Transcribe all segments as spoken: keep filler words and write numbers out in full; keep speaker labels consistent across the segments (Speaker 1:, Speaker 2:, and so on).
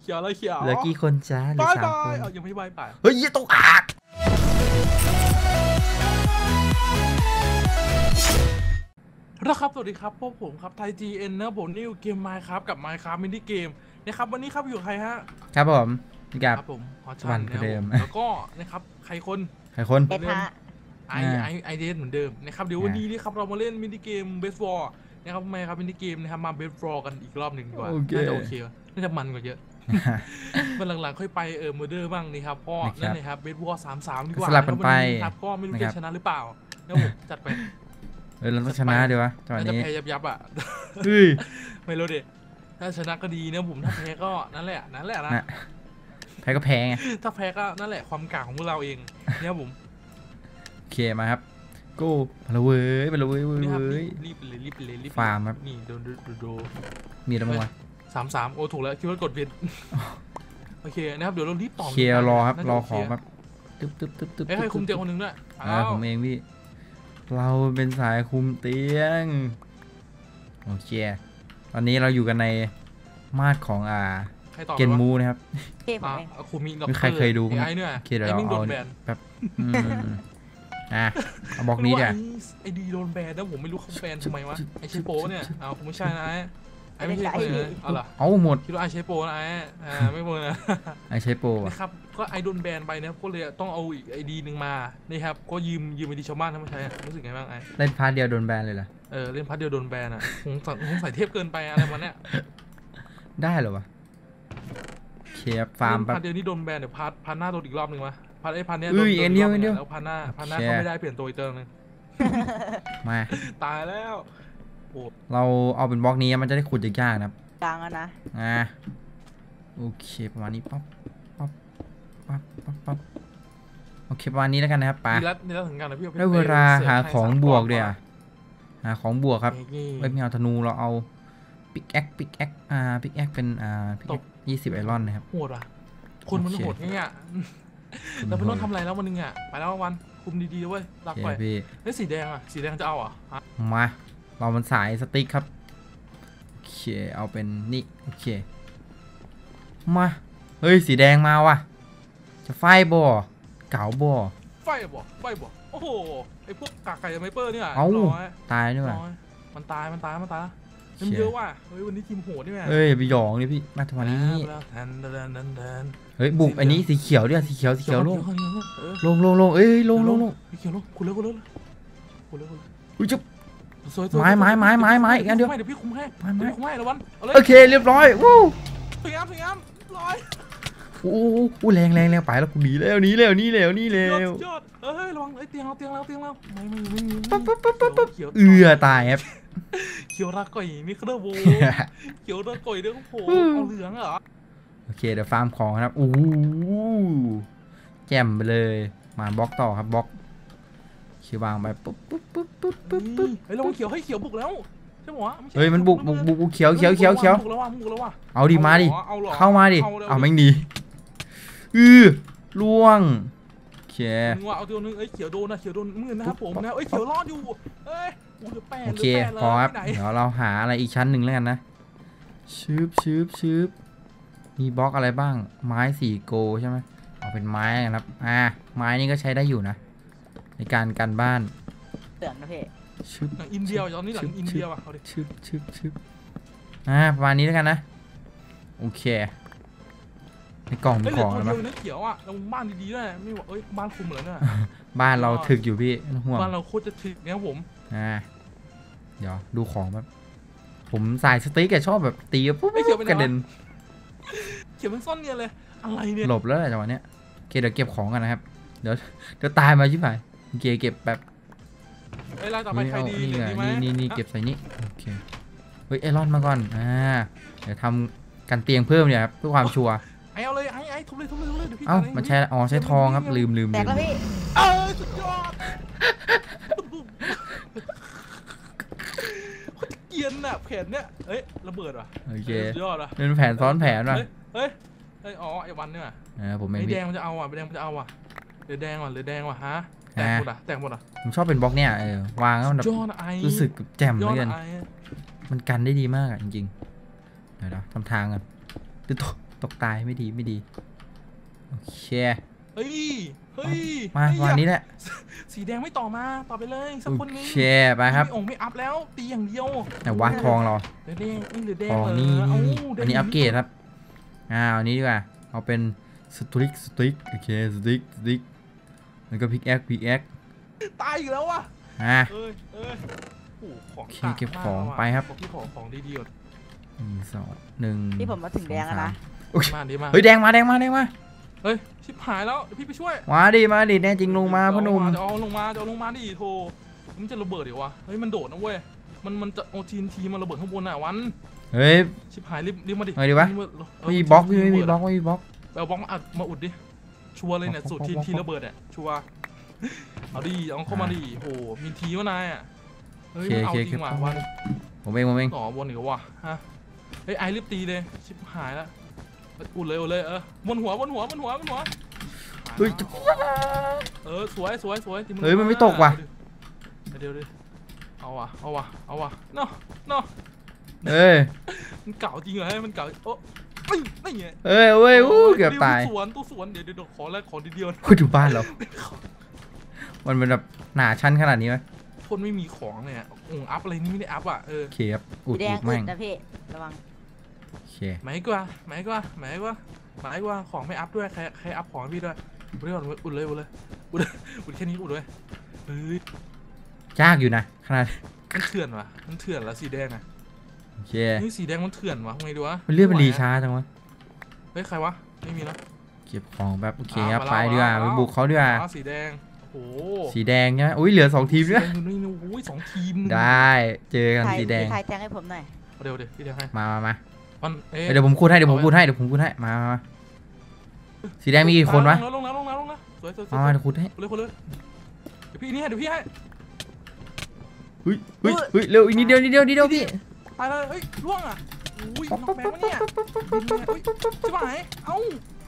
Speaker 1: เขียวเลยเขียว
Speaker 2: เหลือกี่คนจ้าเหลือสามคน
Speaker 1: เอายังไม่ใบป่ะ
Speaker 2: เฮ้ยตกอัก
Speaker 1: นะครับสวัสดีครับพวกผมครับไทย จี เอ็น นะผมนิวเกมไมค์ครับกับไมค์ครับมินิเกมนะครับวันนี้ครับอยู่ใครฮะ
Speaker 2: ครับผมกับ
Speaker 1: ครับผมฮอตชันเดิมแล้วก็นะครับใครคน
Speaker 2: ใครคน
Speaker 1: เดิมไอไอไอเดนเหมือนเดิมนะครับเดี๋ยววันนี้นี่ครับเรามาเล่นมินิเกมเบสบอลนะครับไมค์ครับมินิเกมนะครับมาเบสบอลกันอีกรอบหนึ่งดีกว่าน่าจะโอเคน่าจะมันกว่าเยอะวันหลังๆค่อยไปเออโมเดอร์บ้างนี่ครับพ่อนั่นเลยครับเบสบอลสามสามดีกว่า
Speaker 2: สลับกันไป
Speaker 1: ครับก็ไม่รู้จะชนะหรือเปล่าแล้วผมจัดไป
Speaker 2: เออเราต้องชนะดีวะตอนนี้
Speaker 1: จะแพ้ยับยับอ่ะไม่รู้ดิถ้าชนะก็ดีนะผมถ้าแพ้ก็นั่นแหละนั่นแหละนะ
Speaker 2: แพ้ก็แพ้ไง
Speaker 1: ถ้าแพ้ก็นั่นแหละความกล้าของพวกเราเองเนี่ยผม
Speaker 2: โอเคมาครับกูไปเลยเว้ยไปเลยเว้ยเว้ย
Speaker 1: รีบเลยรีบเลยรีบ
Speaker 2: ฟาร์มครับ
Speaker 1: นี่โดนดูดู
Speaker 2: มีอะไรบ้างวะ
Speaker 1: สามสามโอ้ถูกแล้วคิดว่ากดผิดโอเคนะครับเดี๋ยวเรารีบต่อ
Speaker 2: เคลียร์รอครับรอของครับตึ๊บตึ๊บตึ๊บตึ๊บ
Speaker 1: ให้คุมเตียงคนหนึ่งด้วย
Speaker 2: อ่าผมเองพี่เราเป็นสายคุมเตียงโอเคตอนนี้เราอยู่กันในมาดของอ่าเกนมูนะครับไม่ใครเคยดูมั้ยโอเคเดี๋ยวเราเอาแบบอ่ะเอาบล็อกนี้เดี๋ยว
Speaker 1: ไอดีโดนแบนแล้วผมไม่รู้เขาแบนทำไมวะไอเชโป้เนี่ยเอาผมไม่ใช่นะไอไม่ใช่เลยเอาล่ะ
Speaker 2: เอาหมด
Speaker 1: คิดว่าไอเชโป้นะไออ่าไม่หมดนะ
Speaker 2: ไอเชโป้
Speaker 1: นะครับก็ไอโดนแบนไปนะครับก็เลยต้องเอาอีกไอดีหนึ่งมานี่ครับก็ยืมยืมไอดีชาวบ้านทำไมใช้รู้สึกไงบ้างไอ
Speaker 2: เล่นพาร์ทเดียวโดนแบนเลยเหรอ
Speaker 1: เออเล่นพาร์ทเดียวโดนแบนอ่ะคงคงใส่เทพเกินไปอะไรมาเนี่ย
Speaker 2: ได้เหรอวะเคลียร์ฟาร์ม
Speaker 1: พาร์ทเดียวนี่โดนแบนเดี๋ยวพาร์ทพาร์ทหน้าโดนอีกรอบหนึ่งวะพาร์ทไอพาร์ทเนี้ยโดน
Speaker 2: อีกเดียวอีกเดียว
Speaker 1: แล้วพาร์ทหน้าพาร์ทหน้าเขาไม่ได้เปลี่ยนตัวอีกเติมนึง
Speaker 2: มา
Speaker 1: ตายแล้ว
Speaker 2: เราเอาเป็นบล็อกนี้มันจะได้ขุดยากๆนะครับ
Speaker 3: กลางนะ
Speaker 2: อ่าโอเคประมาณนี้ปั๊บปั๊บปั๊บปั๊บปั๊บโอเคประมาณนี้แล้วกันนะครับป้าได้เวลาหาของบวกเดี๋ยวหาของบวกครับไม่เอาธนูเราเอาปิกแอคปิกแอคอ่าปิกแอคเป็นอ่าปิกแอคยี่สิบไอรอนนะครับ
Speaker 1: โหดอ่ะคนมันโหดไงอ่ะเราไม่ต้องทำอะไรแล้ววันนึงอ่ะไปแล้ววันคุมดีๆเว้ยรักไปเฮ้ยสีแดงอ่ะสีแดงจะเอาอ่ะ
Speaker 2: มาเรามันสายสติ๊กครับโอเคเอาเป็นนี่โอเคมาเฮ้ยสีแดงมาว่ะจะไฟบ่อเก๋าบ่อ
Speaker 1: ไฟบ่อไฟบ่อโอ้โหไอพวกกากไก่ไมเปอร์เนี่ย
Speaker 2: เอาตายด้วย
Speaker 1: มันตายมันตายมันตายมันเยอะว่ะเฮ้ยวันนี้ทีมโหดนี่แม่
Speaker 2: เฮ้ยไปหยองนี่พี่มาทำไมนี่เฮ้ยบุกอันนี้สีเขียวเนี่ยสีเขียวสีเขียวลงลงลงลงเอ้ยลงลงลง
Speaker 1: สีเขียวลงคุณเลิกคุณเลิกคุณเลิกคุณเลิก
Speaker 2: อุ้ยจุ๊บไม้ไม้ไม้ไม้ไม้อีกอันเดียว
Speaker 1: เดี๋ยวพี่คุมให้ไม้ไม้คุมให้แล้ววัน
Speaker 2: โอเคเรียบร้อยวู้
Speaker 1: สวยงามสวยงามร้อย
Speaker 2: โอ้โหแรงแรงแรงไปแล้วกูหนีแล้วหนีแล้วหนีแล้วหนีแล้ว
Speaker 1: ยอดเอ้ยระวังไอ้เตียงเราเตียงเราเตียงเราไม่ไม่ไม่มี
Speaker 2: ปั๊บปั๊บปั๊บปั๊บเอือตายครับ
Speaker 1: เขียวรักก่อยมิคเดอร์โบเขียวรักก่อยเด้อโผล่เอาเหลืองเหรอ
Speaker 2: โอเคเดี๋ยวฟาร์มของครับอู้แจ่มไปเลยมาบล็อกต่อครับบล็อกเขียววางไปปุ๊บปุ๊บปุ๊บปุ๊บปุ๊บปุ๊บ
Speaker 1: เฮ้ยเราเขียวให้เขียวบุกแล้วใช่ไหมวะ
Speaker 2: เฮ้ยมันบุกบุกบุกเขียวเขียวเขียวเขียวเอาดิมาดิเข้ามาดิเอาแม่งดีอือล่วงโอเค
Speaker 1: เอาตัวนึงเอ้ยเขียวโดนนะเขียวโดนมือนะครับผมนะเอ้ยเขียวรอดอยู่เอ้ย
Speaker 2: โอเคพอครับเดี๋ยวเราหาอะไรอีกชั้นหนึ่งแล้วกันนะชืบชืบชืบมีบล็อกอะไรบ้างไม้สี่โกใช่ไหมเอาเป็นไม้นะครับอ่าไม้นี่ก็ใช้ได้อยู่นะในการกันบ้าน
Speaker 3: เตือนนะพี่
Speaker 1: ชืบหลังอินเดียตอนนี้หลังอินเดียว่ะเขาดิ
Speaker 2: ชืบชืบชืบอ่าประมาณนี้แล้วกันนะโอเคในกล่องมีของแล้วมั้ย
Speaker 1: เขียวอ่ะเราบ้านดีๆด้วยไม่บอกเอ้ยบ้านคุมเหรอเนี่ย
Speaker 2: บ้านเราถึกอยู่พี่ห่วง
Speaker 1: บ้านเราโคตรจะถึกเนี่ยผม
Speaker 2: อ่าเดี๋ยวดูของแบบผมสายสติ๊กแกชอบแบบตีปุ๊บกระเด็น
Speaker 1: เขียวมันซ่อนเนียเลยอะไรเนี่ย
Speaker 2: หลบแล้วจังหวะเนี้ยโอเคเดี๋ยวเก็บของกันนะครับเดี๋ยวเดี๋ยวตายมาชิบหายโอเคเก็บแบบ
Speaker 1: เฮ้ยไล่ต่อไปใครดี
Speaker 2: นี่นี่นี่เก็บใส่นี่โอเคเฮ้ยไอรอนมาก่อนอ่าเดี๋ยวทำกันเตียงเพิ่มเนี่ยครับเพื่อความชัวร์
Speaker 1: ไอเอาเลยไอไอทุบเลยทุบเลยทุบเลยเดี๋ยวพี่
Speaker 2: เอ้ามันใช้อ๋อใช้ทองครับลืมลืมลืม
Speaker 3: แตกแล้วพี่
Speaker 1: เออสุดยอดเกียนน่ะแผนเนี้ยเฮ้ยระเบิดว่ะ
Speaker 2: โอเค
Speaker 1: ยอดว่ะ
Speaker 2: เป็นแผนซ้อนแผนว่ะ
Speaker 1: เฮ้ยเฮ้ยอ๋อไอวันเนี่ย
Speaker 2: อ่าผมไม่
Speaker 1: ไอแดงมันจะเอาอ่ะไอแดงมันจะเอาอ่ะหรือแดงว่ะหรือแดงว่ะฮะแตกหมดอ่ะแตกหมดอ่ะ
Speaker 2: ผมชอบเป็นบล็อกเนี่ยเออวางแล้วมันรู้สึกแจ่มเหมือนกันมันกันได้ดีมากจริงๆเดี๋ยวทำทางกันตึ๊ดตกตายไม่ดีไม่ดีโอเค
Speaker 1: เฮ้ยเฮ้ย
Speaker 2: มาวันนี้แหละ
Speaker 1: สีแดงไม่ต่อมาต่อไปเลยสักคนนึง
Speaker 2: โอเคไปครับ
Speaker 1: ไม่องไม่อัพแล้วตีอย่างเดียว
Speaker 2: แต่ว่าทองเรา
Speaker 1: แดงนี่หรือแดง
Speaker 2: ทองนี่นี่อันนี้อัปเกรดครับอ่าอันนี้ดีกว่าเอาเป็นสติ๊กสติ๊กโอเคสติ๊กสติ๊กแล้วก็พิกแอคพิกแอค
Speaker 1: ตายอีกแล้ววะ
Speaker 2: อ่ะ
Speaker 1: เอ้ยเอ้ยโอ้ของ
Speaker 2: เก็บของไปครับ
Speaker 1: ที่ของของดีๆห
Speaker 2: นึ่งสองหนึ่ง
Speaker 3: ที่ผมมาถึงแดงแล้วนะ
Speaker 1: มาดีมา
Speaker 2: เฮ้ยแดงมาแดงมาแดงมา
Speaker 1: เฮ้ยชิบหายแล้วพี่ไปช่วย
Speaker 2: มาดิมาดิแน่จริงลงมาพ่อหนุ่ม
Speaker 1: จะเอาลงมาจะเอาลงมาดิโธ่มันจะระเบิดเดี๋ยววะเฮ้ยมันโดดนะเว้ยมันมันจะเอาทีนทีมันระเบิดข้างบนอ่ะวัน
Speaker 2: เฮ้ย
Speaker 1: ชิบหายรีบรีบมาดิ
Speaker 2: ไงดีวะมีบล็อกไม่มีบล็อกไม่มีบล็อก
Speaker 1: เอาบล็อกมาอัดมาอุดดิชัวร์เลยเนี่ยสูตรทีนทีระเบิดอ่ะชัวร์เอาดิเอาเข้ามาดิโอ้มีทีว่านายอ่ะเฮ้ยมันเอาจริงว่ะวัน
Speaker 2: ผมเองผมเอง
Speaker 1: ต่อบนอีกว่ะฮะเฮ้ยไอรีบตีเลยชิบหายแล้วอุดเลยอุดเลยเออบนหัวบนหัวบนหัวบนหัว
Speaker 2: เฮ้ย
Speaker 1: เออสวยสวยสวย
Speaker 2: เฮ้ยมันไม่ตกว่ะ
Speaker 1: เดี๋ยวดิเอาว่ะเอาว่ะเอาว่ะเนาะเนาะ
Speaker 2: เอ้ย
Speaker 1: มันเก่าจริงเหรอมันเก่าโอ้ไม่ไม่เงี้ย
Speaker 2: เอ้ยเว้ยอู้เกือบตาย
Speaker 1: สวนตู้สวนเดี๋ยวเดี๋ยวขอแล้วขอทีเดียว
Speaker 2: คุณอยู่บ้านเรามันเป็นแบบหนาชั้นขนาดนี้ไหม
Speaker 1: คนไม่มีของเนี่ยองอัพอะไรนี่ไม่ได้อัพอ่ะเออ
Speaker 2: เขียบอุดอุด
Speaker 3: แม่งนะพี่ระวัง
Speaker 1: หมายกว่าหมายกว่าหมายกว่าหมายกว่าของไม่อัพด้วยใครใครอัพของพี่ด้วยอุดเลยอุดเลยอุดเลยอุดเลยอุดแค่นี้อุดเลยเฮ้ย
Speaker 2: ยากอยู่นะขนาด
Speaker 1: มันเถื่อนวะมันเถื่อนละสีแดงอะ
Speaker 2: โอเค
Speaker 1: นี่สีแดงมันเถื่อนวะไงดูวะ
Speaker 2: มันเลื่อนมันรีช้าจังวะ
Speaker 1: เฮ้ยใครวะไม่มีแล้ว
Speaker 2: เก็บของแบบโอเคครับไปดีกว่าไปบุกเขาดีกว่า
Speaker 1: สีแดงโอ้
Speaker 2: สีแดงใช่ไหมอุ้ยเหลือสองทีมด้วย
Speaker 1: นี่อุ้ยสองทีม
Speaker 2: ได้เจอกันสีแดง
Speaker 3: ใครแทงให้ผมหน่อย
Speaker 1: เดี๋ยวเดี๋ยวพี่แทงให้
Speaker 2: มามามา
Speaker 1: เ
Speaker 2: ดี๋ยวผมคูดให้เดี๋ยวผมคูดให้เดี๋ยวผมคูดให้มามาสีแดงมีกี่คนวะ
Speaker 1: ลงแล้วลงแล้วลงแล้วสวยสวย
Speaker 2: มาเดี๋ยวคูดให้
Speaker 1: เลยคนเลยเดี๋ยวพี่นี่ให้เดี๋ยวพี่ให้
Speaker 2: เฮ้ยเฮ้ยเฮ้ยเร็วอีกนิดเดียวนิดเดียวนิดเดียวพี่
Speaker 1: ไปเลยเฮ้ยล่วงอ่ะอุ้ยนอกแมวเนี่ยจะมาไหนเอ้า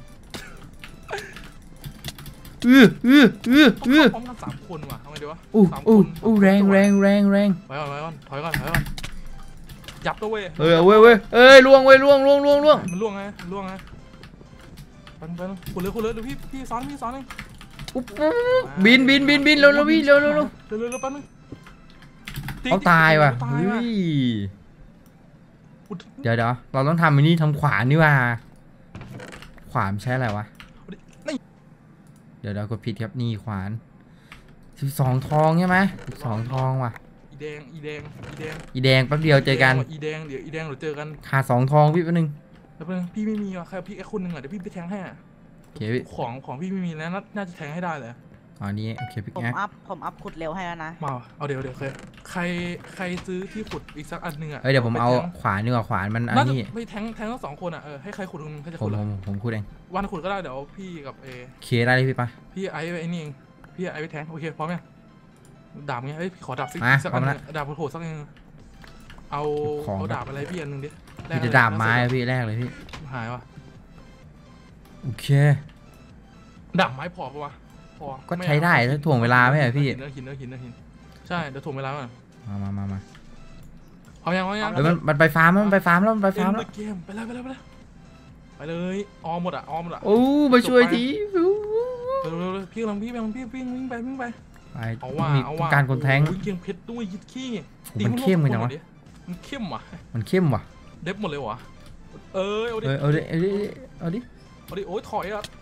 Speaker 2: เออเออเออเออ
Speaker 1: พร้อมกันสามคนว่ะทำไงดีวะ
Speaker 2: อู้อู้อู้แรงแรงแรงแรง
Speaker 1: ไปก่อนไปก่อนถอยก่อนถอยก่อนยับตัวเว้ย
Speaker 2: เออเว้ยเว้ยเอ้ยล่วงเว้ยล่วงล่วงล่วงล่วง
Speaker 1: มันล่วงไงล่วงไงไปไปคุณเลยคุณเลยเดี๋ยวพี่พี่ซ้อนพี่ซ้อนเอง
Speaker 2: บินบินบินบินเร็วเร็วพี่เร็วเร็วเร็ว
Speaker 1: เร็วเร็วเร็วแป๊บนึง
Speaker 2: เขาตายว่ะเฮ้ยเดี๋ยวเดี๋ยวเราต้องทำอันนี้ทำขวานนี่ว่าขวานใช้อะไรวะเดี๋ยวเรากดผิดครับนี่ขวานสิบสองทองใช่ไหมสิบสองทองว่ะ
Speaker 1: อีแดงอีแดงอีแดง
Speaker 2: อีแดงแป๊บเดียวเจอกัน
Speaker 1: อีแดงเดี๋ยวอีแดงเดี๋ยวเจอกัน
Speaker 2: ขาดสองทองพี่แป๊บนึง
Speaker 1: แล้วพี่ไม่มีอ่ะใครพี่แค่คนหนึ่งอ่ะเดี๋ยวพี่ไปแทงให้อ่ะ
Speaker 2: โอเค
Speaker 1: ของของพี่ไม่มีแล้วน่าจะแทงให้ได้เลย
Speaker 2: อ๋อนี้โอเคพี่
Speaker 3: ผมอัพผมอัพขุดเร็วให้แล้วนะ
Speaker 1: มาเอาเดี๋ยวเดี๋ยวเคยใครใครซื้อที่ขุดอีกสักอันหนึ่งอ่ะ
Speaker 2: เฮ้ยเดี๋ยวผมเอาขวานนี่ว่าขวานมันอันนี้
Speaker 1: ไม่แทงแทงทั้งสองคนอ่ะเออให้ใครขุดคนใครจะ
Speaker 2: ขุดผมผมขุดเอง
Speaker 1: วันขุดก็ได้เดี๋ยวพี่กับเอ
Speaker 2: เคได้เลยพี่ปะ
Speaker 1: พี่ไอ้ไอ้นี่เองพี่ไอ้ไปแทงโอเคพร้อมยังดาบไงเฮ้ยขอดาบสัก
Speaker 2: สักอัน
Speaker 1: ดาบโหดสักอันเอาเอาดาบอะไรพี่อันหนึ่งดิ
Speaker 2: พี่จะดาบไม้พี่แรกเลยพี่
Speaker 1: หายวะ
Speaker 2: โอเค
Speaker 1: ดาบไม้พอปะวะพอ
Speaker 2: ก็ใช้ได้ถ้าถ่วงเวลาไม่เหรอพี่
Speaker 1: หินเนื้อหินเนื้อหินเนื้อหินใช่เดี๋ยวถ่วงเวลาก่อน
Speaker 2: มามามามา
Speaker 1: เอายังเอายัง
Speaker 2: เดี๋ยวมันมันไปฟาร์มแล้วมันไปฟาร์มแล้วมันไปฟาร์มแล้ว
Speaker 1: เกมไปเลยไปเลยไปเลยไปเลยออมหมดอ่ะออมหมดอ่ะ
Speaker 2: โอ้มาช่วยที
Speaker 1: เร็วๆพี่กำลังพี่กำลังพี่วิ่งวิ่งไปวิ่งไป
Speaker 2: ไปเอาว่าเอาว่าการคนแทง
Speaker 1: เกียงเพชรด้วยยิดขี้
Speaker 2: มันเข้มเลยนะวะ
Speaker 1: มันเข้มว่ะ
Speaker 2: มันเข้มว่ะ
Speaker 1: เด็บหมดเลยวะเออเอาดิ
Speaker 2: เอาดิเอาดิเอาดิ
Speaker 1: เอาดิโอ้ยถอยอ่ะ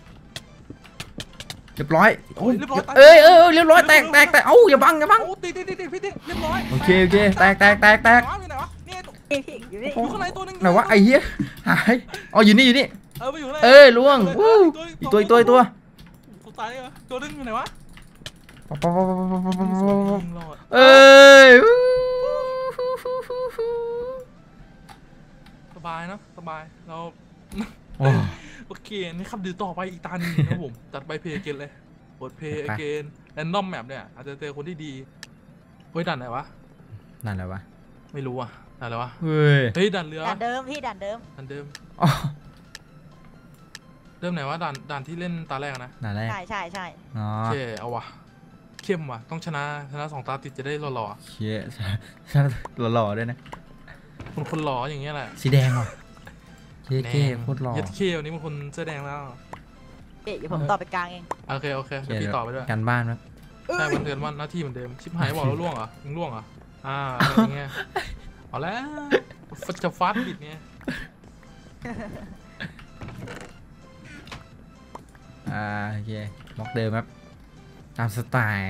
Speaker 2: เรียบร้อยเอ้ยเออเรียบร้อยแตกแตกแตกเอ้าอย่าบังอย่าบัง
Speaker 1: ตีตีตีตีพี่ตีเรียบร้อย
Speaker 2: โอเคโอเคแตกแตกแตกแตก
Speaker 1: อยู่ข้างในตัวนึง
Speaker 2: ไหนวะไอ้เหี้ยหายอ๋ออยู่นี่อยู่นี่
Speaker 1: เออไปอยู่ไหน
Speaker 2: เอ้ยล่วงวู้อีกตัวอีกตัวอีกตัว
Speaker 1: ตายเหรอตัวนึงอยู่ไหนวะ
Speaker 2: เอ้ย
Speaker 1: สบายนะสบายเราโอเคนี่ครับเดี๋ยวต่อไปอีกตาหนึ่งนะผมจัดไปเพย์เกนเลยกดเพย์เกนแรนดอมแมปเนี่ยอาจจะเจอคนที่ดีเฮ้ยดันไหนวะ
Speaker 2: ดันอะไรวะ
Speaker 1: ไม่รู้อ่ะดันอะไรวะ
Speaker 2: เฮ้ย
Speaker 1: เฮ้ยดันเรือ
Speaker 3: ดันเดิมพี่ดันเดิม
Speaker 1: ดันเดิมเดิมไหนวะดันดันที่เล่นตาแรกนะ
Speaker 2: ดันแรก
Speaker 3: ใช่ใช่ใช่
Speaker 2: โอ
Speaker 1: เคเอาวะเข้มว่ะต้องชนะชนะสองตาติดจะได้หล่อ
Speaker 2: ๆเชี่ยชนะหล่อๆด้วยนะ
Speaker 1: คนคนหล่ออย่างเงี้ยแหละ
Speaker 2: สีแดงว่ะเท่เท่โคตรหล่อ
Speaker 1: เย็ดเควันนี้มันคนเสื้อแดงแล้ว
Speaker 3: พี่เดี๋ยวผมต่อไปกลางเอง
Speaker 1: โอเคโอเคเดี๋ยวพี่ต่อไปด้วย
Speaker 2: การบ้านครับ
Speaker 1: ใช่วันเดือนวันหน้าที่เหมือนเดิมชิบหายบอกแล้วล่วงเหรอมึงล่วงเหรออ่าอะไรอย่างเงี้ยเอาแล้วจะฟาดบิดเนี้ย
Speaker 2: อ่าโอเคบล็อกเดิมครับตามสไตล์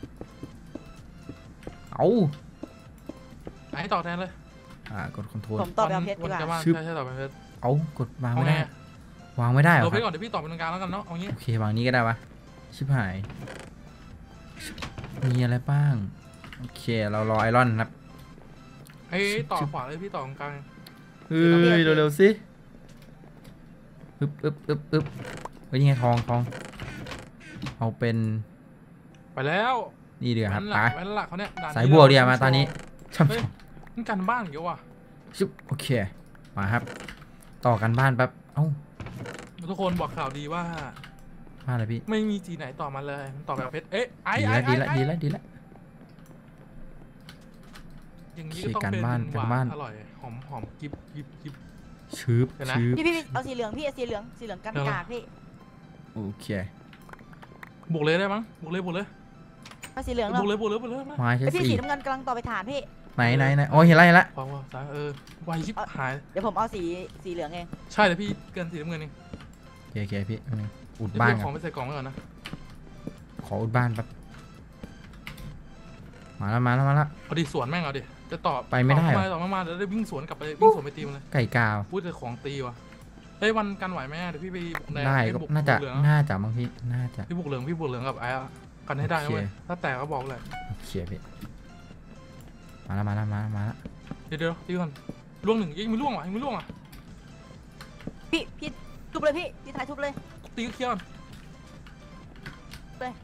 Speaker 2: เอา
Speaker 1: ไอ้ต่อแทนเลย
Speaker 2: อ่ากดคอนโทรล
Speaker 3: ผมต่อไปเอาเพชรดี
Speaker 1: วัน
Speaker 3: กว่า
Speaker 1: จะว่าง
Speaker 2: ชึบ
Speaker 1: ใช่ใช่ต่อไปเพชร
Speaker 2: เอากดวาง
Speaker 1: เอา
Speaker 2: ไม่
Speaker 1: ไง
Speaker 2: ได้วางไม่ได้เหร
Speaker 1: เรา
Speaker 2: อ
Speaker 1: ไป
Speaker 2: ครับ
Speaker 1: ก่อนเดี๋ยวพี่ต่อเป็นตรงกลางแล้วกันเนาะเอางี้
Speaker 2: โอเควางนี้ก็ได้ปะชิบหายมีอะไรบ้างโอเคเรารอไอรอนครับ
Speaker 1: ไอ้ต่อขวาเลยพี่ต่อตรงกลาง
Speaker 2: เฮ้ยเร็วๆสิอึบอึบอึบอึบเฮ้ยนี่ไงทองทองเอาเป็น
Speaker 1: ไปแล้ว
Speaker 2: นี่เดี๋ยวครับ
Speaker 1: แว้นห
Speaker 2: ไป
Speaker 1: ลักแว้นหลักเขาเนี่ยด่น
Speaker 2: สาย
Speaker 1: ที่
Speaker 2: บัว
Speaker 1: ร
Speaker 2: เดียวมาตอนนี้ช่ำ
Speaker 1: เฮ้ยนี่การบ้านเยอะว่ะ
Speaker 2: ชุบโอเคมาครับ ต่อกันบ้านแป๊บเอ้า
Speaker 1: ทุกคนบอกข่าวดีว่า
Speaker 2: มาอะไรพี่
Speaker 1: ไม่มีจีไหนต่อมาเลยมันต่อแบบเพชรเอ๊ะไอ้
Speaker 2: ดี
Speaker 1: ไอ้
Speaker 2: ละดีละ
Speaker 1: ไอ้
Speaker 2: ดีละดีละ
Speaker 1: อย่างนี้
Speaker 2: โอ
Speaker 1: ก็
Speaker 2: เค
Speaker 1: ต้อง
Speaker 2: การ
Speaker 1: เป็น
Speaker 2: บ้าน
Speaker 1: ห
Speaker 2: การ
Speaker 1: วา
Speaker 2: บ้าน
Speaker 1: นอร่อยหอมหอมกิบกิบกิบ
Speaker 2: ชืบ
Speaker 1: เดี๋ยวนะ
Speaker 2: ชืบ
Speaker 3: พี่พี่พี่เอาสีเหลืองพี่เอาสีเหลืองสีเหลืองกันกากพี่
Speaker 2: โอเค
Speaker 1: บุกเลยได้มั้งบุกเลยบุกเลย
Speaker 3: เอาสีเหลือง
Speaker 1: บุ
Speaker 3: เนาะ
Speaker 1: กเลยบุกเลยบุกเลยนะ
Speaker 2: ไม้ใช้
Speaker 3: ไอพี่
Speaker 2: สี่
Speaker 3: สีน้ำเงินกำลังต่อไปฐานพี่
Speaker 2: ไหนไหนไหนโอ้ยเห็นละเห็นละ
Speaker 1: พอว่าสายเออไวชิบหาย
Speaker 3: เดี๋ยวผมเอาสีสีเหลืองเอง
Speaker 1: ใช่แต่พี่เกินสีน้ำเงินเอง
Speaker 2: โอเคโอเคพี่เอาหนึ่งอุด
Speaker 1: เดี๋ยว
Speaker 2: บ้าน
Speaker 1: พี่เอา
Speaker 2: กั
Speaker 1: ของ
Speaker 2: น
Speaker 1: ไปใส่กล่องไว้ก่อนนะ
Speaker 2: ขออุดบ้านแป๊บมาแล้วมาแล้วมาแล้ว
Speaker 1: เอาดิสวนแม่งเอาดิจะต่อ
Speaker 2: ไปไม่ได้เหรอ
Speaker 1: ต่อมาต่อมาเดี๋ยวได้วิ่งสวนกลับไปวิ่งสวนไปตีมันเลย
Speaker 2: ไก่กาว
Speaker 1: พูดแต่ของตีว่ะเฮ้ยวันกันไหวไหมเดี๋ยวพี่ไปบุกแดง
Speaker 2: ได้
Speaker 1: เอ้ย
Speaker 2: ก็
Speaker 1: บุก
Speaker 2: น่าจะ
Speaker 1: บุกเหลือง
Speaker 2: น่าจะบางพี่น่าจะ
Speaker 1: พี่บุกเหลืองพี่บุกเหลืองกับไอ้อะกันให้ได้นะ
Speaker 2: โอเค
Speaker 1: เว้ยถ้าแตกก็บอกเลย
Speaker 2: โอเคพี่มาแล้วมาแล้วมาแล้วมาแล้ว
Speaker 1: เดี๋ยวเดี๋ยวตีก่อนล่วงหนึ่งยังไม่ล่วงอ่ะยังไม่ล่วงอ่ะ
Speaker 3: พี่พี่ทุบเลยพี่พี่ถ่ายทุบเลย
Speaker 1: ตีก็เคลียร์ก่อน
Speaker 3: เลย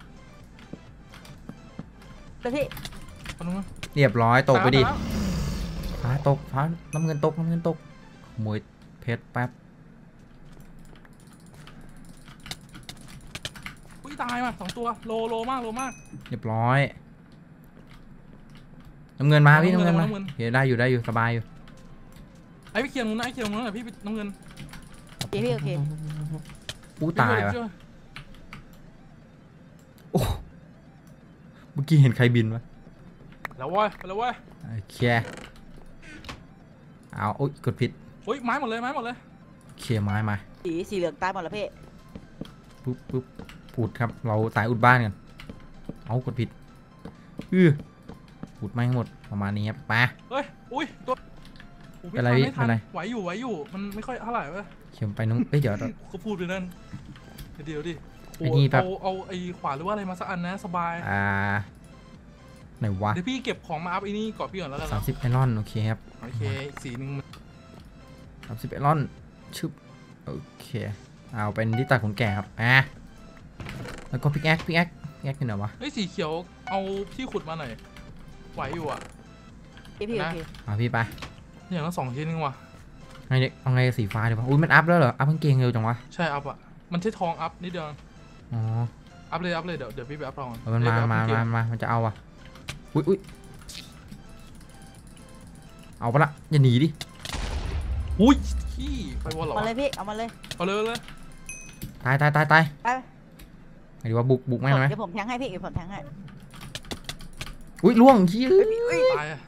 Speaker 3: พี่
Speaker 1: คนนึงนะ
Speaker 2: เรียบร้อยตกไปดิ
Speaker 1: ตายแล้ว
Speaker 2: ฟ้าตกฟ้าน้ำเงินตกน้ำเงินตกขโมยเพชรแป๊บ
Speaker 1: อุ้ยตายว่ะสองตัวโลโลมากโลมาก
Speaker 2: เรียบร้อยน้ำเงินมาพี่
Speaker 1: น้ำ
Speaker 2: น้ำ
Speaker 1: เงิ
Speaker 2: เงิ
Speaker 1: น
Speaker 2: นมา
Speaker 1: น้ำเงิน
Speaker 2: เฮ้ยได้อยู่ได้อยู่สบายอยู่
Speaker 1: ไอ้พี่เคลียร์ตรงนู้นนะไอ้เคลียร์ตรงนู้นนะพี่น้ำเงิน
Speaker 3: โอเคพี่โอเค
Speaker 2: อู้ตายว่ะ
Speaker 1: ช่ว
Speaker 2: โอ้เมื่อกี้เห็นใครบินวะ
Speaker 1: แล้วเว้ยไปแล้วเว้ย
Speaker 2: โอเคเอาโอ๊ยกดผิด
Speaker 1: อุ้ยไม้หมดเลยไม้หมดเลย
Speaker 2: โอเคไม้มา
Speaker 3: สีสีเหลืองตายหมดแล้วพี่
Speaker 2: ปุ๊บปุ๊บปูดครับเราตายอุดบ้านกันเอากดผิดอือปูดไม่งหมดประมาณนี้ครับไป
Speaker 1: เฮ้ยอุ้ยตัวโอ้ย
Speaker 2: เป็นไร
Speaker 1: ม่
Speaker 2: พี่
Speaker 1: ทั
Speaker 2: เป็นไร
Speaker 1: ไหวอยู่ไหวอยู่มันไม่ค่อยเท่าไหร่เว้ย
Speaker 2: เขียนไปน้องเอ้ยเดี๋ยว
Speaker 1: เขาพูดไปนั่นเดี๋ยวดิ
Speaker 2: ไอ้นี่แป๊บ
Speaker 1: เอาเอาไอ้ขวานหรือว่าอะไรมาสักอันนะสบาย
Speaker 2: อ่าไหนวะ
Speaker 1: เดี๋ยวพี่เก็บของมาอัพไอ้นี่ก่อนพี่ก่อนแล้วกัน
Speaker 2: สาม
Speaker 1: นะ
Speaker 2: สิบไอรอนโอเคครับ
Speaker 1: โอเคอีกสีหนึ่งมัน
Speaker 2: สามสิบไอรอนชึบโอเคเอาเป็นที่ตัดขนแก่ครับอ่ะแล้วก็พิกแอคพิกแอคพิกแอคเป็นไหนวะ
Speaker 1: ไอ้ยสีเขียวเอาที่ขุดมาหน่อยไหวอยู่อ่ะ
Speaker 3: พี่พี่โอ
Speaker 1: นะ
Speaker 3: เค
Speaker 2: มาพี่ไป
Speaker 1: อย่างละสองชิ้นนึงว่ะ
Speaker 2: ไงเด็กเอาไงสีฟ้าดีวะอุ้ยมันอัพแล้วเหรออัพกางเกงเร็วจังวะ
Speaker 1: ใช่อัพอ่ะมันใช้ทองอัพนิดเดียว
Speaker 2: อ๋อ
Speaker 1: อัพเลยอัพเลยเดี๋ยวเดี๋ยวพี่ไปอัพทองก่อน
Speaker 2: เอามันมา
Speaker 1: เดี๋ยว
Speaker 2: มา
Speaker 1: ไปอั
Speaker 2: มา
Speaker 1: พเก
Speaker 2: มามันจะเอาอ่ะอุ้ยอุ้ยเอาปะละอย่าหนีดิ
Speaker 1: อุ้ยขี้ไปวอลเหรอ
Speaker 3: เอา
Speaker 1: วะ
Speaker 3: มาเลยพี่เอามาเลย
Speaker 1: เอาเลยเอาเลย
Speaker 2: ตายตายตายตาย
Speaker 3: ไป
Speaker 2: ไงดีว่าบุกบุกแม่งไหม
Speaker 3: เดี๋ยวผมแทงให้พี่เดี๋ยวผมแทงให้
Speaker 2: อุ้ยล่วงชี้
Speaker 1: ตายอะ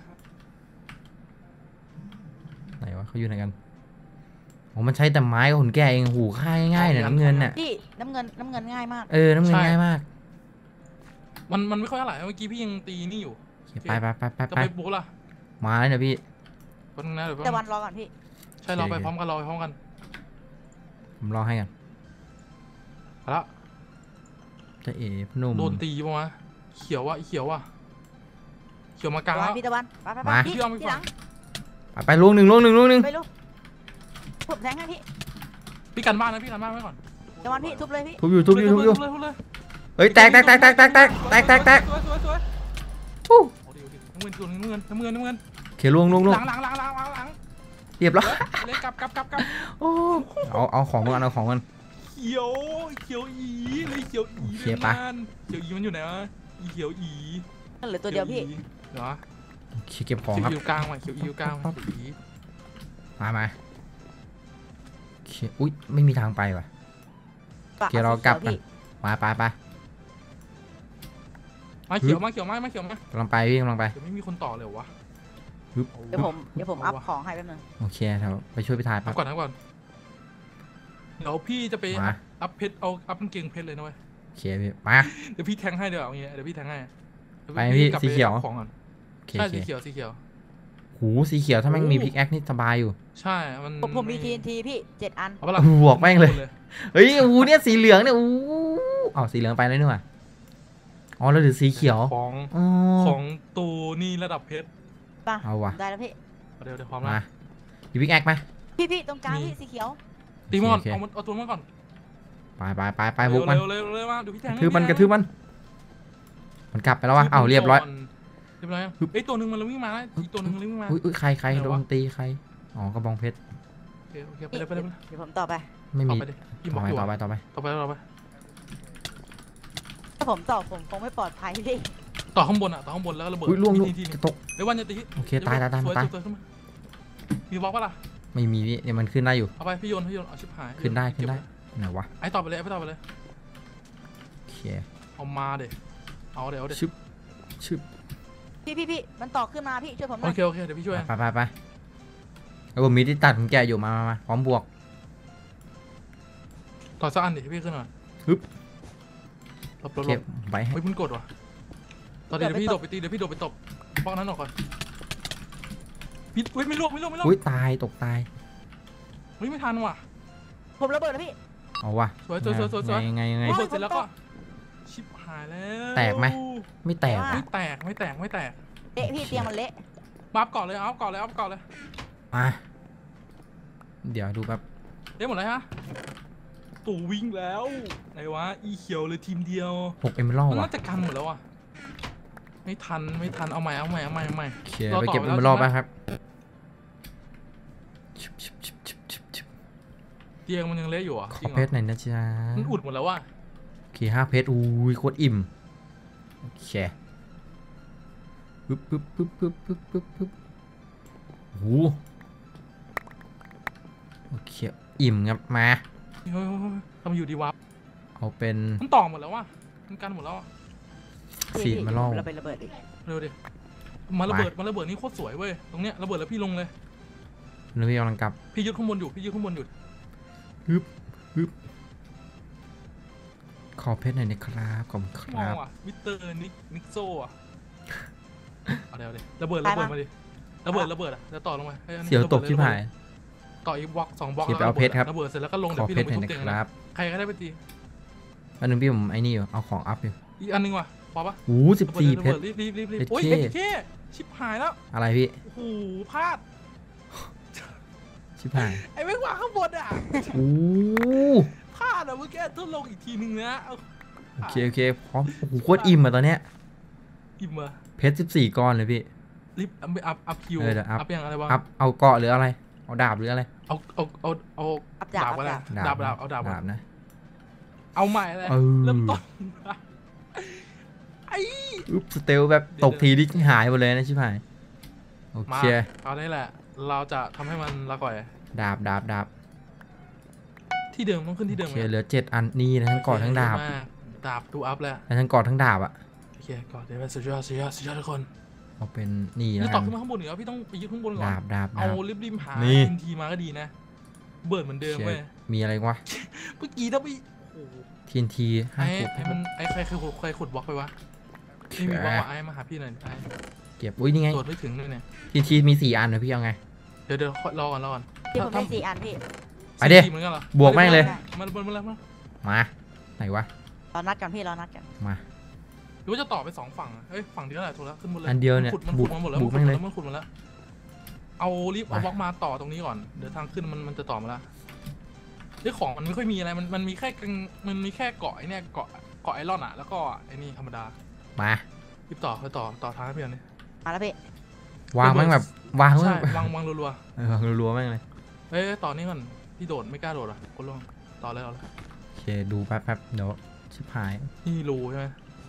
Speaker 2: ไหนวะเขาอยู่ไหนกันโอ้มันใช้แต่ไม้กับหุ่นแก่เองหูค่ายง่ายๆเนี่ยน้ำเงินเนี่ย
Speaker 3: พี่น้ำเงินน้ำเงินง่ายมาก
Speaker 2: เออน้ำเงินง่ายมาก
Speaker 1: มันมันไม่ค่อยเท่าไหร่เมื่อกี้พี่ยังตีนี่อยู่
Speaker 2: โอเคไปไปไปไป
Speaker 1: จะ
Speaker 2: ไป
Speaker 1: ไปบุกล่ะ
Speaker 2: มาแล้วเนี่ยพี่
Speaker 1: คนนึงนะเดี๋ยว
Speaker 3: แต่
Speaker 1: แป๊บ
Speaker 3: วันรอก่อนพี่
Speaker 1: ใช่เราไปพร้อมกันเราไปพร้อมกัน
Speaker 2: ผมรอให้กัน
Speaker 1: เอาละ
Speaker 2: จะเอ๋พนุ่ม
Speaker 1: โดนตีปะวะเขียวว่ะไอ้เขียวว่ะเขียวมากลาง
Speaker 3: ตะวั
Speaker 1: แล้
Speaker 3: น
Speaker 1: ว
Speaker 3: พี่ตะวันไปไปไป
Speaker 2: มา
Speaker 3: พี่
Speaker 1: พี่เอาไป
Speaker 3: พี่หลัง
Speaker 2: ไปไปล่วงหนึ่งล่วงหนึ่งล่วงหนึ่ง
Speaker 3: ไปลูกผมแทงให้พี่
Speaker 1: พี่กันบ้านนะพี่กันบ้านไว้ก่อน
Speaker 3: ตะวันพี่ทุบเลยพี่
Speaker 2: ทุบอยู่ทุบอยู่ทุบอยู่
Speaker 1: ทุบเลยทุบเลย
Speaker 2: เฮ้ยแตกแตกแตกแตกแตกแตกแตกแตกแตก
Speaker 1: สวยสวยสวย
Speaker 2: อู้
Speaker 1: เอาดิเอาดิน้ำเงินน้ำเงินน้ำเงินน้ำเงิน
Speaker 2: โอเคล่วงล่วงล่ว
Speaker 1: ห
Speaker 2: ง
Speaker 1: ลังหลังหลังหลังหลังหลัง
Speaker 2: เรียบร้อย
Speaker 1: เลยกลับกลับกลับกลับ
Speaker 2: โอ้เอาเอาของมันเอาของมัน
Speaker 1: เขียวเขียวอีเลยเขียวอี
Speaker 2: โอเคปะ
Speaker 1: มันเขียวอีมันอยู่ไหนวะอีเขียวอี
Speaker 3: นั่นเหลือตัวเดียวพี่
Speaker 1: เหรอ
Speaker 2: โอเคเก็บของ
Speaker 1: เขียว
Speaker 2: ครับ
Speaker 1: อีกลางว่ะเขียวอีกลางว่ะเขียวอี
Speaker 2: มามาเคอุ้ยไม่มีทางไปว่ะโอเคเรากลับกันมาไปไป
Speaker 1: มาเขียวมาเขียวมามาเขียวมาก
Speaker 2: ำลังไปพี่กำลังไป
Speaker 1: เดี๋ยวไม่มีคนต่อเลยวะ
Speaker 3: เดี๋ยวผมเดี๋ยวผมอัพของให้แป๊บนึง
Speaker 2: โอเคเราไปช่วยพี่ทาย
Speaker 1: อั
Speaker 2: ปั๊
Speaker 1: พ
Speaker 2: บ
Speaker 1: ก่อนอัพก่อนเดี๋ยวพี่จะไป
Speaker 2: มา
Speaker 1: อัพเพชรเอาอัพกางเกงเพชรเลยนะเว้ย
Speaker 2: โอเคพี่มา
Speaker 1: เดี๋ยวพี่แทงให้เดี๋ยวเอาอย่างเงี้ยเดี๋ยวพี่แทงให้
Speaker 2: ไปพี่
Speaker 1: กลับ
Speaker 2: สีเขียว
Speaker 1: อาของก่อน
Speaker 2: โอเค
Speaker 1: ใช่
Speaker 2: โอเค
Speaker 1: สีเขียวสีเขียว
Speaker 2: หูสีเขียวถ้าแม่ง
Speaker 1: โอ้
Speaker 2: มีพิกแอคนี่สบายอยู่
Speaker 1: ใช่มัน
Speaker 3: ผมผมมี ที เอ็น ที พี่เจ็ดอัน
Speaker 1: เอาปะล่ะ
Speaker 2: บวกแม่งเลย เฮ้ยอูเนี่ยสีเหลืองเนี่ยอู้อ๋อสีเหลืองไปแล้วนี่หว่าอ๋อแล้วถือสีเขียว
Speaker 1: ของ
Speaker 2: อ๋อ
Speaker 1: ของตูนี่ระดับเพชร
Speaker 3: ป่ะ
Speaker 2: เอาว่ะ
Speaker 3: ได้แล้วพี่
Speaker 1: เดี๋ยวเดี๋ยวพร้อม
Speaker 2: มา
Speaker 1: นะ
Speaker 2: มีพิกแอคไหม
Speaker 3: พี่พี่ตรงกลาง
Speaker 1: มี
Speaker 3: พี่สีเขียว
Speaker 1: ตีมอน
Speaker 2: โอเค
Speaker 1: เอามันเอาตัวมันก่อน
Speaker 2: ไปไปไปไปบุกมัน
Speaker 1: เร็วเร็วเร็วมาดูพี่แท
Speaker 2: ก
Speaker 1: ง
Speaker 2: ระทืบมันกระทืบมันมันกลับไปแล้ววะเอ้าเรียบร้อย
Speaker 1: เรียบร้อยเอ้ยตัวหนึ่งมันวิ่งมาแล้วอีกตัวหนึ่งมันวิ่งมา
Speaker 2: อุ้ยอุ้ยใครใคร
Speaker 1: ไหน
Speaker 2: โด
Speaker 1: วะ
Speaker 2: นตีใครอ๋อกระบองเพชร
Speaker 1: โอเคโอเคไปเลยไปเลยไปเลย
Speaker 3: เดี๋ยวผมต่อไป
Speaker 2: ไม่
Speaker 1: ต่อ
Speaker 2: มี
Speaker 1: ไปดิพี่บ
Speaker 2: ต่
Speaker 1: อ
Speaker 2: อก ไป
Speaker 1: อยู่
Speaker 2: ต่อไป
Speaker 1: อะ
Speaker 2: ต่อไป
Speaker 1: ต่อไปต่อไป
Speaker 3: ถ้าผมต่อผมคงไม่ปลอดภัยพี่
Speaker 1: ต่อข้างบนอ่ะต่อข้างบนแล้วก็ระเบิด
Speaker 2: อุ้ยล่วงล่วง
Speaker 1: ทีที
Speaker 2: จะตก
Speaker 1: เดี๋ยววันจะตี
Speaker 2: โอเคตายตายตาย
Speaker 1: สว
Speaker 2: ตาย
Speaker 1: สวขึ้นมามีบล็อกปะล่ะ
Speaker 2: ไม่มีพี่เนี่ยมันขึ้นได้อยู่
Speaker 1: เอาไปพี่โยนพี่โยนเอาชิบหาย
Speaker 2: ขึ้นได้ขึ้นได้
Speaker 1: เก็บ
Speaker 2: ไหนวะ
Speaker 1: ไอ้ต่อไปเลยไอ้ต่อไปเลย
Speaker 2: โอเค
Speaker 1: เอามาเดี๋ยวเอาเดี๋ยวเดี๋ยว
Speaker 2: ชึบชึบ
Speaker 3: พี่พี่พี่มันต่อขึ้นมาพี่ช่วยผมห
Speaker 1: โอ
Speaker 3: น่อย
Speaker 1: เคโอเคเดี๋ยวพี่ช่วย
Speaker 2: ไปไปไปแล้วผมมีที่ตัดของแกอยู่มามามาพร้อมบวก
Speaker 1: ต่อสักอันดิพี่ขึ้นหน่อย
Speaker 2: ฮึบ
Speaker 1: หลบหล
Speaker 2: โอบ เค
Speaker 1: หลบ
Speaker 2: ไปให้
Speaker 1: เฮ้ยมันกดว่ะตอนนี้เดี๋ยวพี่โดดไปตีเดี๋ยวพี่โดดไปตบบล็อกนั้นออกก่อนพี่เฮ้ยไม่ลวกไม่ลวกไม่ลวก
Speaker 2: อุ้ยตายตกตาย
Speaker 1: เฮ้ยไม่ทันว่ะ
Speaker 3: ผมระเบิดแล้วพี่
Speaker 2: เอาว่ะ
Speaker 1: สวยสวยสวยสวยสวย
Speaker 2: ยังไงยังไง
Speaker 3: โอ้
Speaker 1: ระ
Speaker 3: ย
Speaker 1: เบิดเสร็จแล้วก็ชิบหายแล้ว
Speaker 2: แตกไหม ไม่แตก
Speaker 3: ไม่
Speaker 2: อะ
Speaker 1: ไม่แตกไม่แตกไม่แตก
Speaker 3: เละพี่เตียงมันเละ
Speaker 1: มาอัพก่อนเลยเอาก่อนเลยเอาก่อนเลย
Speaker 2: อ่ะเดี๋ยวดูแบบ
Speaker 1: ได้หมดเลยฮะตู่วิ่งแล้วไหนวะอีเขียวเลยทีมเดียว
Speaker 2: หกเอมเมอรัล
Speaker 1: มัน
Speaker 2: ว่ะ
Speaker 1: น่าจะกันหมดแล้วอ่ะไม่ทันไม่ทันเอาใหม่เอาใหม่เอาใหม่เอาใหม่
Speaker 2: โอเค
Speaker 1: เรา
Speaker 2: ไป
Speaker 1: ต่อ
Speaker 2: เก็บ
Speaker 1: ไป
Speaker 2: เอ
Speaker 1: แล้ว
Speaker 2: มเมอรัล
Speaker 1: ใช่ไหม
Speaker 2: ไปครับชิบชิบชิบชิบชิบชิบ
Speaker 1: เตียงมันยังเละอยู่อ่ะ
Speaker 2: ข
Speaker 1: จ
Speaker 2: อ
Speaker 1: ริงเหร
Speaker 2: เพ
Speaker 1: อ
Speaker 2: ชรหน่อยนะจ๊ะ
Speaker 1: มันอุดหมดแล้วว่ะ
Speaker 2: โอเคห้าเพชรอุ้ยโคตรอิ่มโอเคปึ๊บปึ๊บปึ๊บปึ๊บปึ๊บปึ๊บปึ๊บโอ้โหโอเคอิ่มครับมา
Speaker 1: เฮ้ยเฮ้ยเฮ้ยทำอยู่ดีวะ
Speaker 2: เอาเป็น
Speaker 1: มันต่อหมดแล้วว่ะมันกันหมดแล้วอ่ะ
Speaker 2: สีเอมเมอรัล
Speaker 3: เราไประเบิดอีก
Speaker 1: เร็วดิมาระเบิดมาระเบิดนี่โคตรสวยเว้ยตรงเนี้ยระเบิดแล้วพี่ลงเลย
Speaker 2: นึกว่ากำลังกลับ
Speaker 1: พี่ยึดข้างบนอยู่พี่ยึดข้างบนอยู่
Speaker 2: ฮึบฮึบขอเพชรหน่อยนะครับขอบคุณค
Speaker 1: มอง
Speaker 2: รับ
Speaker 1: ว่ะมิสเตอร์นิกนิกโซอ่ะเอาเดี๋ยวเดี๋ยวระเบิดระเบิดมาดิระเบิดระเบิดอ่ะจะต่อลงไปให้อันนี้
Speaker 2: เสียวตก
Speaker 1: ระบิดล
Speaker 2: ที่ผาย
Speaker 1: ต่ออีกบล็อกสองบล็อก
Speaker 2: โอเคไปเอาเพชรครับ
Speaker 1: ระเบิดเสร็จแล้วก็ลง
Speaker 2: ข
Speaker 1: เดี๋ย
Speaker 2: อ
Speaker 1: วพี่
Speaker 2: เพ
Speaker 1: ล
Speaker 2: ช
Speaker 1: ง
Speaker 2: ร
Speaker 1: ไป
Speaker 2: หน่อย
Speaker 1: ทุบ
Speaker 2: นะ
Speaker 1: เตียง
Speaker 2: ค
Speaker 1: นะ
Speaker 2: รับ
Speaker 1: ใครก็ได้ไปตี
Speaker 2: อันนึงพี่ผมไอ้นี่อยู่เอาของอัพอยู่
Speaker 1: อีกอันนึงว่ะพอปะ
Speaker 2: โอ้สิบสี่เพชร
Speaker 1: รีบรีบรีบรีบ
Speaker 2: เพชร
Speaker 1: โอ้ย
Speaker 2: เข้
Speaker 1: เพชรเข้ชิบหายแล้ว
Speaker 2: อะไรพี่
Speaker 1: โอ้โหพลาด
Speaker 2: ชิบหาย
Speaker 1: ไอ้แม่งวางข้างบนอ่ะ
Speaker 2: โอ้
Speaker 1: พลาดอ่ะเมื่อกี้ต้องลงอีกทีนึงนะเอา
Speaker 2: โอเคโอเคพร้อมโอ้โหโคตรอิ่มอ่ะตอนเนี้ย
Speaker 1: อิ่มอ่ะ
Speaker 2: เพชรสิบสี่ก้อนเลยพี่
Speaker 1: รีบอัพอัพอัพคิว
Speaker 2: เออเดี๋ยวอัพ
Speaker 1: อัพยังอะไรวะ
Speaker 2: อัพเอาเกาะหรืออะไรเอาดาบหรืออะไร
Speaker 1: เอาเอาเอาเอา
Speaker 3: อัพดาบ
Speaker 1: ดาบ
Speaker 3: อัพ
Speaker 1: ก็ได้
Speaker 3: ดาบ
Speaker 1: ดาบดาบเอาดาบ
Speaker 2: ดาบนะ
Speaker 1: เอาใหม่เลย
Speaker 2: เออ
Speaker 1: เริ่มต้นไอ้
Speaker 2: อุ๊บสเตลแบบตกทีดิหายหมดเลยนะชิบหายโอ
Speaker 1: มา
Speaker 2: เค
Speaker 1: เอาได้แหละ เราจะทำให้มันละก่อย
Speaker 2: ดาบดาบดาบ
Speaker 1: ที่เดิมต้องขึ้นที่
Speaker 2: โอ
Speaker 1: เดิม
Speaker 2: เคเหลือเจ็ดอันนี่นะทั้งเกาะทั้งดาบ
Speaker 1: มากดาบดูอัพแล้ว
Speaker 2: และทั้งเกาะทั้งดาบอ่ะ
Speaker 1: โอเคก่อนเดี๋ยวไปสุดยอดสุดยอดสุดยอดทุกคน
Speaker 2: เอาเป็นนี่
Speaker 1: นี่
Speaker 2: นะ
Speaker 1: ต่อขึ้นมาข้างบนเหรอพี่ต้องไปยึดข้างบนก่อน
Speaker 2: ดาบดาบ
Speaker 1: เอา
Speaker 2: ดาบ
Speaker 1: ริบริมหา
Speaker 2: นี่
Speaker 1: ทีมทีมาก็ดีนะ เบิร์ดเหมือนเดิม
Speaker 2: โอเค
Speaker 1: เว้ย
Speaker 2: มีอะไรวะ
Speaker 1: เมื่อกี้ถ้าพี่โอ้โห
Speaker 2: ทีนทีห้า
Speaker 1: ไอ้
Speaker 2: กุบ
Speaker 1: ไอ้มันไอ้ใครใครขุดใครขุดบล็อกไปวะไม่มีบล็อกว่ะไอ้มาหาพี่หน่อยไอ้
Speaker 2: เก็บอุ้ยนี่ไง
Speaker 1: ตรวจไม่ถึงเลยเนี่ย
Speaker 2: ทีนทีมีสี่อันนะพี่เอาไง
Speaker 1: เดี๋ยวเดี๋ยวรอก่อนรอก่อน
Speaker 3: พี่ผมได้สี่อันพี่
Speaker 2: ไปดิ
Speaker 1: สี่เหมือนกันเหรอ
Speaker 2: บวกแม่งเลย
Speaker 1: มันมันมันแล้วมัน
Speaker 2: มาไหนวะ
Speaker 3: รอนัดกันพี่รอนัดกัน
Speaker 2: มา
Speaker 1: หรือว่าจะต่อไปสองฝั่งอะเอ้ยฝั่งเดียวแหละถูกแล้วขึ้นบนเลย
Speaker 2: อันเดียวเนี่ย
Speaker 1: มันขุดมัน
Speaker 2: บุ
Speaker 1: ขุ
Speaker 2: ก
Speaker 1: ดมาหมดแล้ว
Speaker 2: บุ
Speaker 1: มันขุด
Speaker 2: กแม่งเลย
Speaker 1: แล้วมันขุดมาแล้วเอารีบเอา
Speaker 2: มา
Speaker 1: บล็อกมาต่อตรงนี้ก่อนเดี๋ยวทางขึ้นมันมันจะต่อมาแล้วเรื่องของมันไม่ค่อยมีอะไรมันมันมีแค่กังมันมีแค่เกาะไอ้เนี่ยเกาะเกาะไอรอนอะแล้วก็ไอ้นี่ธรรมดา
Speaker 2: มา
Speaker 1: รีบต่อไปต่อต่อทางให้เพื่อนนี่
Speaker 3: มาแล้วพี่
Speaker 2: วางแม่งแบบวางแม่
Speaker 1: ใช่
Speaker 2: งแบบ
Speaker 1: วางวางรัว
Speaker 2: เออวางรัวๆแม่งเลย
Speaker 1: ๆเอ้ยต่อนี้ก่อนพี่โดดไม่กล้าโดดอ่ะคนล่วงต่อเลยเอาเลย
Speaker 2: โอเคดูแป๊บแป๊บเดี๋ยวชิบหาย
Speaker 1: นี่รูใช่ไหม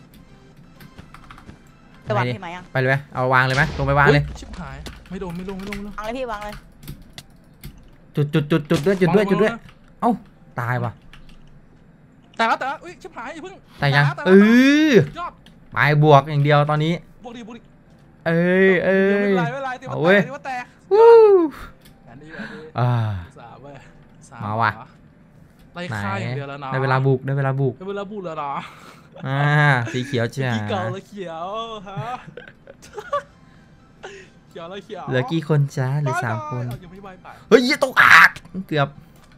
Speaker 3: จะวาง
Speaker 2: ไปดิ
Speaker 3: พี่ไหมยัง
Speaker 2: ไปเลยไหมเอาวางเลยไหมลงไปวางเลย
Speaker 1: อุ๊ชิบหายไม่โดนไม่ลงไม่ลงไม่ลง
Speaker 3: วางเลยพี่วางเลย
Speaker 2: จจุดจุดจุดจุดด้วยจุดด้วยจุดด้วยเอ้าตายว่ะ
Speaker 1: แต่ละแต่ละอุ้ยชิบหายอย่าเพิ่ง
Speaker 2: แต่ยังเออยอดไปบวกอย่างเดียวตอนนี้
Speaker 1: บวกดิบวกดิ
Speaker 2: เอ้ยเอ้ย
Speaker 1: ไม่เป็นไรไม่เป็นไรเดี๋ยวมาแตกเดี๋ยวมาแตกอันนี้อันนี้
Speaker 2: อ่า
Speaker 1: สามเว้ยสาม
Speaker 2: มาว่ะ
Speaker 1: ไล่ฆ่าอย่างเดียวแล้วนะ
Speaker 2: ได้เวลาบุกได้เวลาบุก
Speaker 1: ได้เวลาบุกแล้วนะ
Speaker 2: อ่าสีเขียวจ้า
Speaker 1: กี่เก่าแล้วเขียวฮะเขียวแล้วเขียว
Speaker 2: เหลือกี่คนจ้าเหลือสามคน
Speaker 1: ยังไม่ใบไป
Speaker 2: เฮ้ยตกอักเกือบ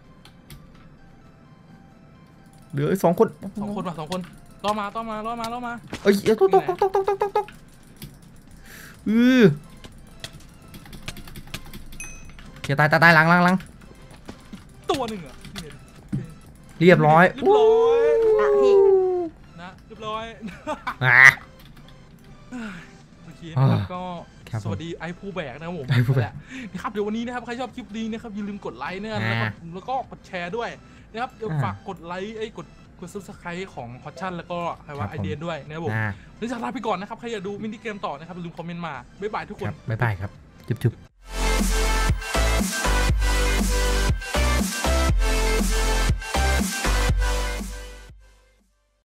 Speaker 2: เหลือสองคน
Speaker 1: สองคนมาสองคนล่อมาล่อมาล่อมาล่อมา
Speaker 2: เอ้ยตกตกตกตกตกตกตกตกอือเขียวตายตายตายหลังหลังหลัง
Speaker 1: ตัวหนึ่งอ่ะ
Speaker 2: เรียบร้อย
Speaker 1: เรียบร้อย
Speaker 3: อ่ะพี่
Speaker 1: นะเรียบร้อย
Speaker 2: อ่ะ
Speaker 1: โอเคนะครับก็
Speaker 2: ครับ
Speaker 1: สวัสดีไอ้ผู้แบกนะครับผม
Speaker 2: ไอ้ผู้แบก
Speaker 1: นะครับเดี๋ยววันนี้นะครับใครชอบคลิปนี้นะครับอย่าลืมกดไลค์นะครับแล้วก็แล้วก็กดแชร์ด้วยนะครับเดี๋ยวฝากกดไลค์ไอ้กดกดซับสไครต์ของฮอตชั่นแล้วก็ใครว่าไอเดียด้วยนะครับผมนี่จะลาไปก่อนนะครับใครอยากดูมินิเกมต่อนะครับอย่าลืมคอมเมนต์มาบ๊ายบายทุกคน
Speaker 2: บ๊ายบายครับจุ๊บ